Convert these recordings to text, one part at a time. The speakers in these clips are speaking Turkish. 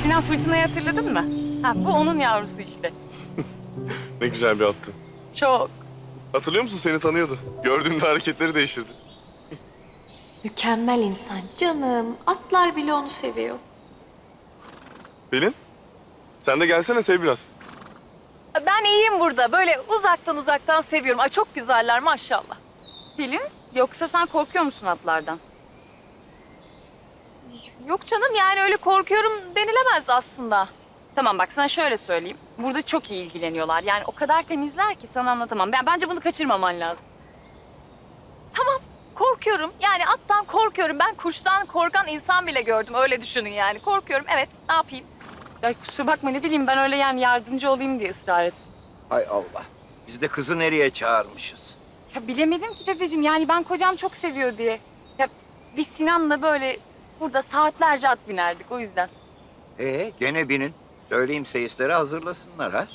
Sinan Fırtına'yı hatırladın mı? Ha, bu onun yavrusu işte. Ne güzel bir attı. Çok. Hatırlıyor musun? Seni tanıyordu. Gördüğünde hareketleri değiştirdi. Mükemmel insan canım. Atlar bile onu seviyor. Pelin, sen de gelsene sev biraz. Ben iyiyim burada. Böyle uzaktan seviyorum. Ay çok güzeller maşallah. Pelin, yoksa sen korkuyor musun atlardan? Yok canım, yani öyle korkuyorum denilemez aslında. Tamam bak, sana şöyle söyleyeyim. Burada çok iyi ilgileniyorlar. Yani o kadar temizler ki sana anlatamam. Bence bunu kaçırmaman lazım. Tamam, korkuyorum. Yani attan korkuyorum. Ben kuştan korkan insan bile gördüm. Öyle düşünün yani. Korkuyorum, evet. Ne yapayım? Ya kusura bakma, ne bileyim, ben öyle yani yardımcı olayım diye ısrar ettim. Hay Allah. Biz de kızı nereye çağırmışız? Ya bilemedim ki dedeciğim. Yani ben kocam çok seviyor diye. Ya biz Sinan'la böyle burada saatlerce at binerdik o yüzden. Gene binin. Söyleyeyim seyisleri hazırlasınlar ha.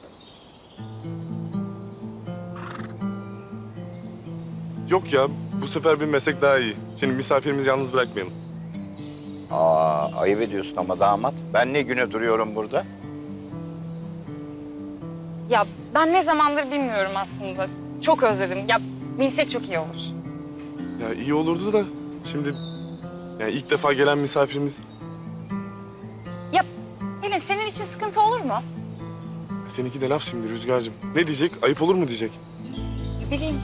Yok ya, bu sefer bir meslek daha iyi. Şimdi misafirimizi yalnız bırakmayalım. Ayıp ediyorsun ama damat. Ben ne güne duruyorum burada? Ya ben ne zamandır bilmiyorum aslında. Çok özledim. Ya binsek çok iyi olur. Ya iyi olurdu da şimdi yani ilk defa gelen misafirimiz Ya Pelin, senin için sıkıntı olur mu? seninki de laf şimdi Rüzgar'cığım. Ne diyecek? Ayıp olur mu diyecek? Ne bileyim.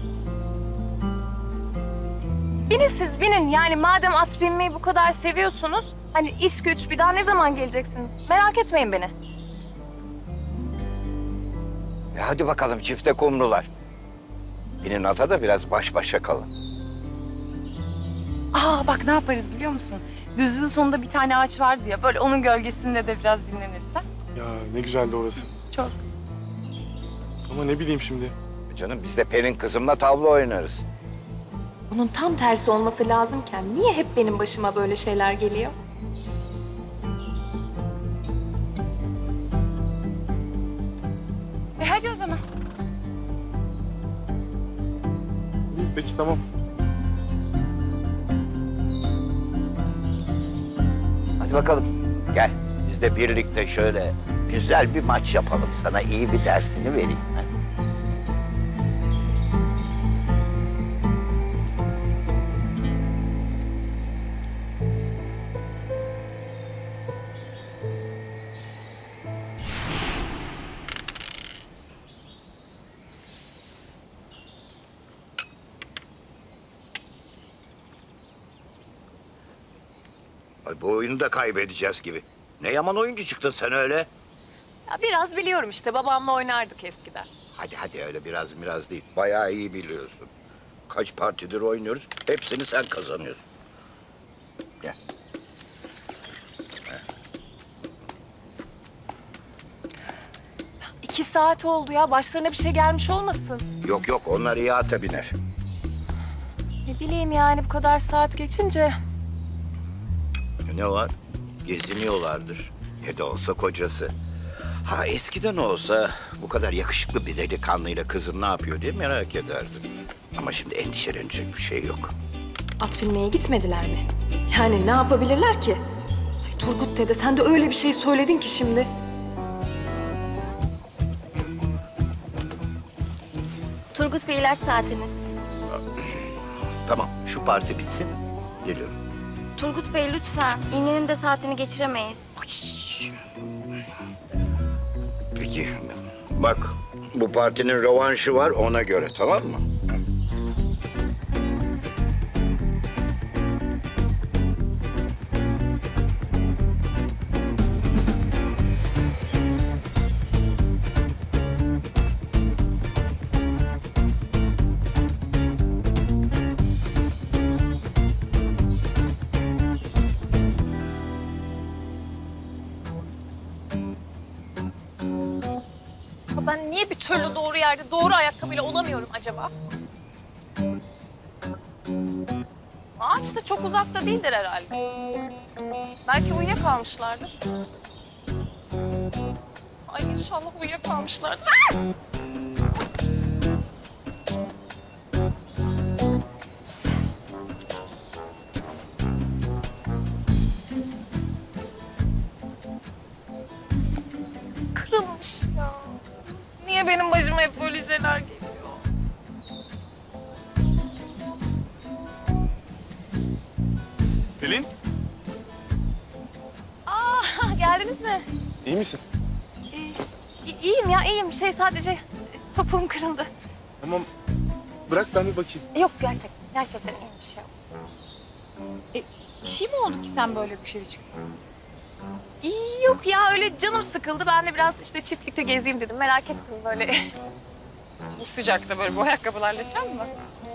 Binin siz, binin. Yani madem at binmeyi bu kadar seviyorsunuz, hani iş güç bir daha ne zaman geleceksiniz? Merak etmeyin beni. Hadi bakalım çifte kumrular. Binin ata da biraz baş başa kalın. Aa bak, ne yaparız biliyor musun? Düzlüğün sonunda bir tane ağaç vardı ya, böyle onun gölgesinde de biraz dinleniriz ha? Ya ne güzeldi orası. Çok. Ama ne bileyim şimdi. Canım biz de Pelin kızımla tavla oynarız. Bunun tam tersi olması lazımken niye hep benim başıma böyle şeyler geliyor? Hadi o zaman. Peki tamam. Hadi bakalım gel. Biz de birlikte şöyle güzel bir maç yapalım. Sana iyi bir dersini vereyim. Hadi. Ay, bu oyunu da kaybedeceğiz gibi. Ne yaman oyuncu çıktın sen öyle. Ya biraz biliyorum işte. Babamla oynardık eskiden. Hadi öyle biraz değil. Bayağı iyi biliyorsun. Kaç partidir oynuyoruz. Hepsini sen kazanıyorsun. Gel. 2 saat oldu ya. Başlarına bir şey gelmiş olmasın. Yok onlar iyi ata biner. Ne bileyim yani bu kadar saat geçince. Ne var? Geziniyorlardır. Ne de olsa kocası. Ha eskiden olsa bu kadar yakışıklı bir delikanlıyla kızım ne yapıyor diye merak ederdim. Ama şimdi endişelenecek bir şey yok. At binmeye gitmediler mi? Yani ne yapabilirler ki? Ay Turgut dede sen de öyle bir şey söyledin ki şimdi. Turgut Bey, ilaç saatiniz. Tamam şu parti bitsin. Geliyorum. Turgut Bey lütfen. İğnenin de saatini geçiremeyiz. Peki bak bu partinin rövanşı var ona göre tamam mı? Ben niye bir türlü doğru yerde doğru ayakkabıyla olamıyorum acaba? Ağaç da çok uzakta değildir herhalde. Belki uyuyakalmışlardır. Ay inşallah uyuyakalmışlardır. Ah! Niye benim başıma hep böyle şeyler geliyor? Pelin, Geldiniz mi? iyi misin? İyiyim ya, iyiyim. Sadece topuğum kırıldı. Tamam, bırak ben bir bakayım. Yok gerçekten iyi bir şey yok. Bir şey mi oldu ki sen böyle dışarı çıktın? Yok ya, öyle canım sıkıldı. Ben de biraz işte çiftlikte gezeyim dedim. Merak ettim böyle. Bu sıcakta böyle bu ayakkabılarla falan mı?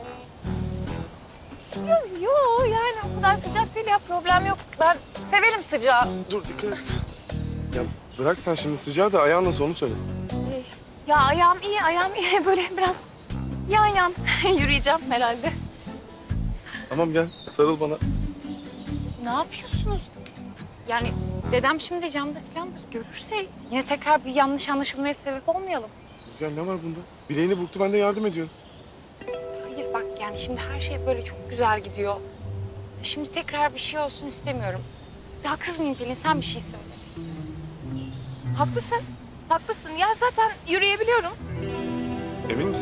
Yok yani o kadar sıcak değil ya, problem yok. Ben severim sıcağı. Dur, dikkat et. Ya bırak sen şimdi sıcağı da ayağın nasıl onu söyle. Ya ayağım iyi. Böyle biraz yan yürüyeceğim herhalde. Tamam gel, sarıl bana. Ne yapıyorsunuz? Yani dedem şimdi camda falandır. Görürse yine tekrar bir yanlış anlaşılmaya sebep olmayalım. Rüzgar ne var bunda? Bileğini burktu, ben de yardım ediyorum. Hayır bak yani şimdi her şey böyle çok güzel gidiyor. Şimdi tekrar bir şey olsun istemiyorum. Ya kızmayayım Pelin, sen bir şey söyle. Haklısın. Ya zaten yürüyebiliyorum. Emin misin?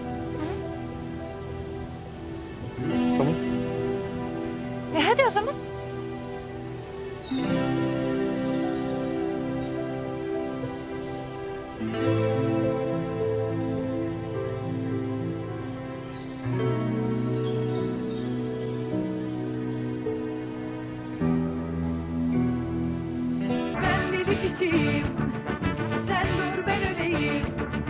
Tamam. Hadi o zaman. Ben deli kişiyim, sen dur ben öleyim.